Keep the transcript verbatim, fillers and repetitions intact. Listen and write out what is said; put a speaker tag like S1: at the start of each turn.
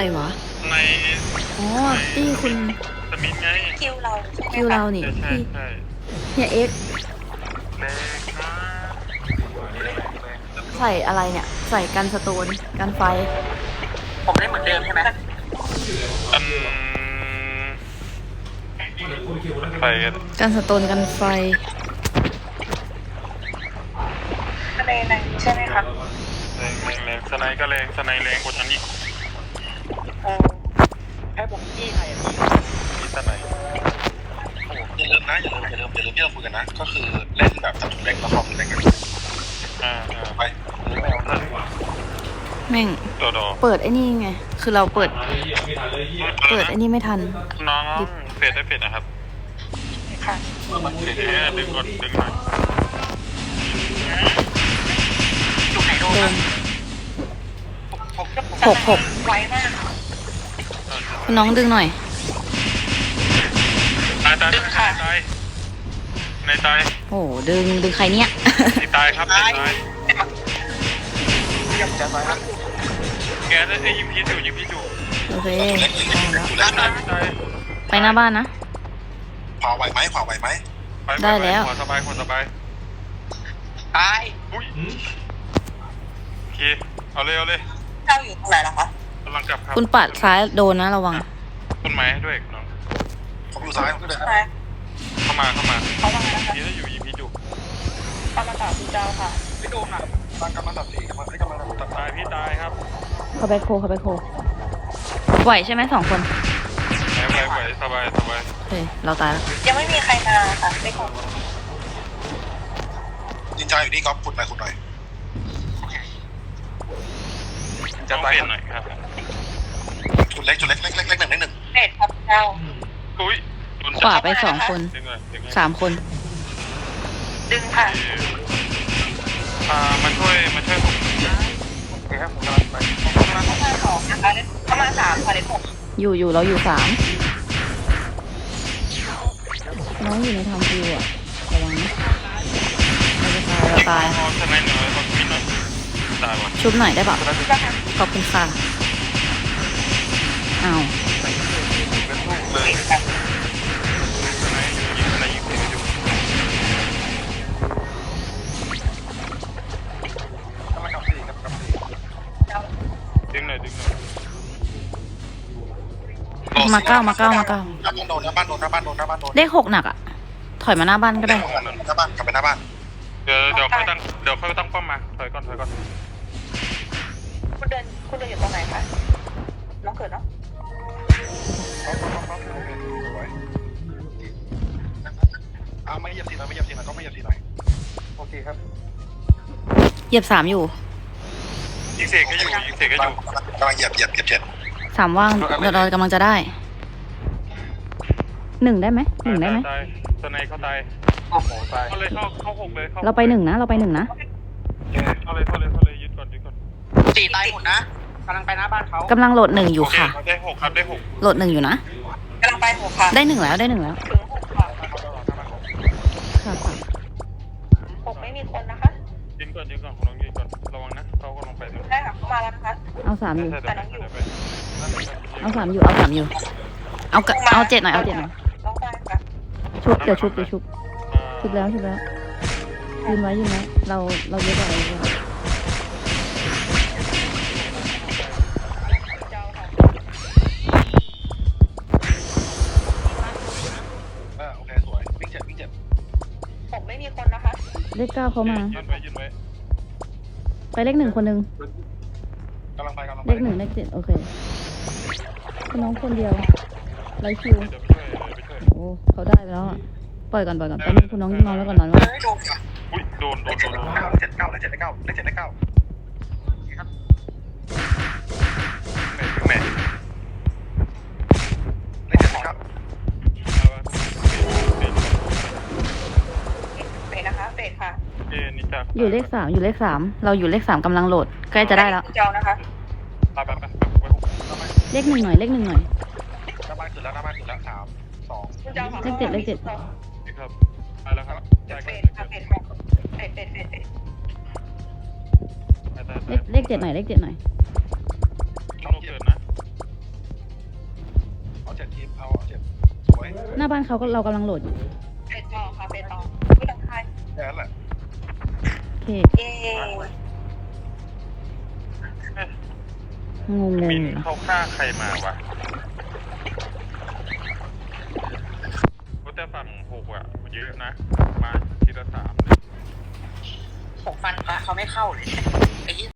S1: รวะ
S2: ใน
S1: อ๋อตี้คุณ
S2: สมิธไง
S3: คิวเรา
S1: คิวเรานี่พี่เฮียเอ็กใส่อะไรเนี่ยใส่กันสโตนกันไฟ
S3: ผมได้เหมือนเดิมใช่ไหม
S2: อืมไฟ
S1: กันสโตนกันไฟ
S3: ในในใช่ไหมครับ
S2: แรงแรงแรงสไนก็แรงสไนแรงกว่าฉันอีก
S3: เออให้ผมจี้ใครอ่ะ
S2: มีสไน
S4: อย่าลืมนะอย่าลืมอย่าลืมอย่าลืมที่เราคุยกันนะก็คือเล่นแบบจับถุงเล็กแล้วคอมเล็กกัน
S2: อ่าอ่า
S4: ไปไม่เอาเลย
S1: แม่งเปิดไอ้นี่ไงคือเราเปิดเปิดไอ้นี่ไม่ทัน
S2: น้องเฟดได้เฟดนะครับ
S3: ค่ะ
S2: เฟดเนี่ยดึงก่อนดึงหน่อย
S3: ดูไหนโดน
S1: หกหก
S3: ไวมาก
S1: คุณน้องดึงหน่อย
S2: ตายตายตายตายในตาย
S1: โอ้ดึงดึงใครเนี่ย
S2: ในตายครับในตายแกได้ยิงพีจูยิงพีจู
S1: โอเค
S4: ไป
S1: หน้าบ้านนะ
S4: ขวาไหวไหมขวาไหวไหม
S1: ได้แล้ว
S2: ขวาสบายขวาสบาย
S3: ตาย
S2: อุ้ยโอเคเอาเลยเอาเลย
S3: เจ้าอยู่ตรงไหนล่ะคะ
S2: กำลังกลับครับ
S1: คุณปัดซ้ายโดนนะระวัง
S2: ต้นไม้ด้วยน้อง
S4: ผมอยู่ซ้ายผมก็เดิน
S2: เข้ามาเข้ามา
S3: เข้ามาแล้วค่ะ
S2: พีได้อยู่ยิงพีจู
S3: กำลังต่อคุณเจ้าค่ะ
S4: ไม่โดนอ่ะตากำลังตัดสี่กำลังกำลังตัด
S2: ตายพี่ตายครับ
S1: เขาไปโคเขาไปโคไหวใช่ไหมสองคน
S2: ไหวไหวสบายสบาย
S1: เฮ้ยเราตายแล้ว
S3: ยังไม่มีใครมาค่ะไม่คง
S4: จินจาอยู่นี่ก๊อฟขุดหน่อยขุดหน่อย
S2: จะเปลี่ยนหน่อยครับ
S4: จุดเล็กจุดเล็กเล็กเล็กเล็กหนึ่งเล็กหนึ่ง
S3: เด็ดครับเจ้า
S2: อุ้ย
S1: ขวาไปสองคนสามคน
S3: ดึงค่ะ
S2: อ่ามาช่วยมาช่วยผมโอเคครับผมกำลังไป
S3: มาเข้ามาสองนะคะเข้ามาสามค่ะเด็กผม
S1: อยู่อยู่เราอยู่สามน้องอยู่ในทำฟิวอ่ะระวังนะเราจะตายเราตาย
S2: ทำไมหน่อยขอบคุณหน่อยตายว่ะ
S1: ชุบหน่อยได้ป่ะขอบคุณค่ะอ้าว
S2: เป็นลูกเลยอะไรยิงอะไรยิงไปดู
S4: กำลังกับสี่กับกับสี่
S2: ดึงหน่อยดึงหน่อย
S1: มาเก้ามาเก้ามาเก้า
S4: หน้าบ้านโดนหน้าบ้านโดนหน้าบ้านโดนหน้าบ้านโดน
S1: เลขหกหนักอ่ะถอยมาหน้าบ้านก็ได้
S4: หน้าบ้านกลับไปหน้าบ้าน
S2: เดี๋ยวเดี๋ยวค่อยตั้งเดี๋ยวค่อยตั้งป้อมมาถอยก่อนถอยก่อน
S3: คุณเดินคุณเดินอยู่ตรงไหนคะน้องเกิดเนาะ
S4: เอาไม่เหยียบสีหน่อยไม่เหยียบสีหน่อยก็ไม่เหยียบสีหน่อยโอเคครับ
S1: เหยียบสามอยู่
S2: ยิงเสกก็อยู่ยิงเสกก็อยู่
S4: กำลังเหยียบเหยียบเหยียบเจ็ด
S1: สามว่างเรากำลังจะได้หนึ่งได้ไหมหนึ่งได้ไหม
S2: ตัวไหนเขาตายโอ้โหตายเขาเลยเข้าเข้าหกเลย
S1: เราไปหนึ่งนะเราไปหนึ่งนะ
S2: เข้าเลยเข้าเลยเข้าเลยยึดก่อนยึดก่อน
S3: สี่ตายหมดนะกำลังไปหน้าบ้านเขา
S1: กำลังโหลดหนึ่งอยู่ค่ะ
S2: ได้หกครับได้หก
S1: โหลดหนึ่งอยู่นะ
S3: กำลังไปหกค่ะ
S1: ได้หนึ่งแล้วได้หนึ่งแล้ว
S3: ถึงหกค่ะ
S1: ค่ะค่ะ
S3: หกไม่มีคนนะคะ
S2: ยืนก่อนยืนก่อนคุณน้องยืนก่อนระวังนะเขากำลังไป
S3: ได้ค่ะเข้ามาแล้วนะคะ
S1: เอาสามอยู่
S3: แต่น้องอยู่
S1: เอาสามอยู่เอาสามอยู่เอาเอาเจ็ดหน่อยเอาเจ็ดหน่อย
S3: ต้องได้ค่ะ
S1: ชุบเดี๋ยวชุบเดี๋ยวชุบชุบแล้วชุบแล้วยืนไว้ยืนไว้เราเราเยอะกว่าเลย
S4: โอเคสวยวิ่งเจ็ดวิ่งเจ็ด
S3: ผมไม่มีคนนะคะ
S1: เลขเก้าเขามา
S2: ยืนไว้ยืนไว้
S1: ไปเลขหนึ่งคนหนึ่ง
S4: กำลังไปกำลัง
S1: เลขหนึ่งเลขเจ็ดโอเคน้องคนเดียวไรคิวโอ้เขาได้แล้วปล่อยก่อนปล่อยก่อนไปคุณน้องนอนแล้วก่อนนอนแล้ว
S2: อุ้ยโดนโดนโดน
S4: เจ็ดเก้าเลยเจ็ดเก้าเลยเจ็ดเก้าครับ
S2: แม่
S4: เลยเจ็ดเก้า
S3: เฟดนะคะเฟดค่ะ
S1: อยู่เลขสามอยู่เลขสามเราอยู่เลขสามกำลังโหลดใกล้จะได้แล้ว
S3: เจ้านะคะ
S1: เลขหนึ่งหน่อยเลขหนึ่งหน่อย
S4: หน้าบ้านสุดแล้วหน้าบ้านสุดแล้วสามสอง
S1: เลขเจ็ดเลขเจ็ด
S2: ครับไปแล้วครับ
S3: เฟดค่ะเฟดค่ะเฟดเฟดเฟดเฟด
S1: เลขเลขเจ็ดหน่อยเลขเจ็ดหน่อย
S2: ต้องเกิดนะ
S1: หน้าบ้านเขาก็เรากำลังโหลดอยู่
S3: ไปต่อค่ะไปต่อไม่ต้องใคร
S4: แค่นั้นแหละ
S1: โอเค
S3: เอ๊ะ
S1: งงง
S2: มิน
S1: อยู่นะ
S2: เข้าฆ่าใครมาวะแต่ฝั่งหกอ่ะเยอะนะ มาทีละสามเลย
S3: หกฟันพระเขาไม่เข้าเลยไอ้